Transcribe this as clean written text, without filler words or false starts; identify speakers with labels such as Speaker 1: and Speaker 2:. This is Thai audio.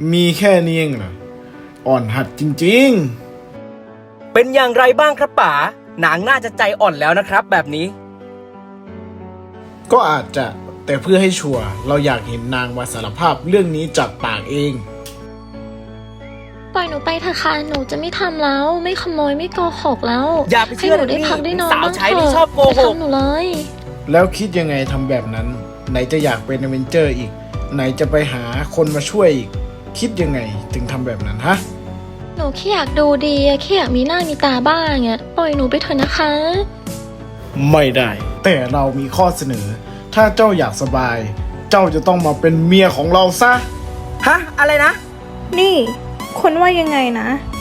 Speaker 1: มีแค่นี้เองเหรออ่อนหัดจริง
Speaker 2: เป็นอย่างไรบ้างครับป๋านางน่าจะใจอ่อนแล้วนะครับแบบนี้
Speaker 1: ๆก็อาจจะแต่เพื่อให้ชัวร์เราอยากเห็นนางมาสารภาพเรื่องนี้จากปากเอง
Speaker 3: ปล่อยหนูไปเถอะค่ะหนูจะไม่ทำแล้ว ไม่ขโมยไม่โกหกแล้ว
Speaker 2: อย่าไปเชื่อ
Speaker 3: ให้หนูได้พักได้นอน
Speaker 2: สาว
Speaker 3: บ้าง
Speaker 2: ใช้
Speaker 3: เถ
Speaker 2: ที่
Speaker 3: อะ
Speaker 2: ชอบโกหก
Speaker 3: อย่าทำหนูเลย
Speaker 1: แล้วคิดยังไงทำแบบนั้น ไหนจะอยากเป็นอเวนเจอร์อีก ไหนจะไปหาคนมาช่วยอีก คิดยังไงถึงทำแบบนั้นฮะ
Speaker 3: หนูแค่อยากดูดีอะแค่อยากมีหน้ามีตาบ้างอะปล่อยหนูไปเถอะนะคะ
Speaker 1: ไม่ได้ แต่เรามีข้อเสนอ ถ้าเจ้าอยากสบาย เจ้าจะต้องมาเป็นเมียของเราซะ
Speaker 2: ฮะ อะไรนะ
Speaker 4: นี่คุณว่ายังไงนะ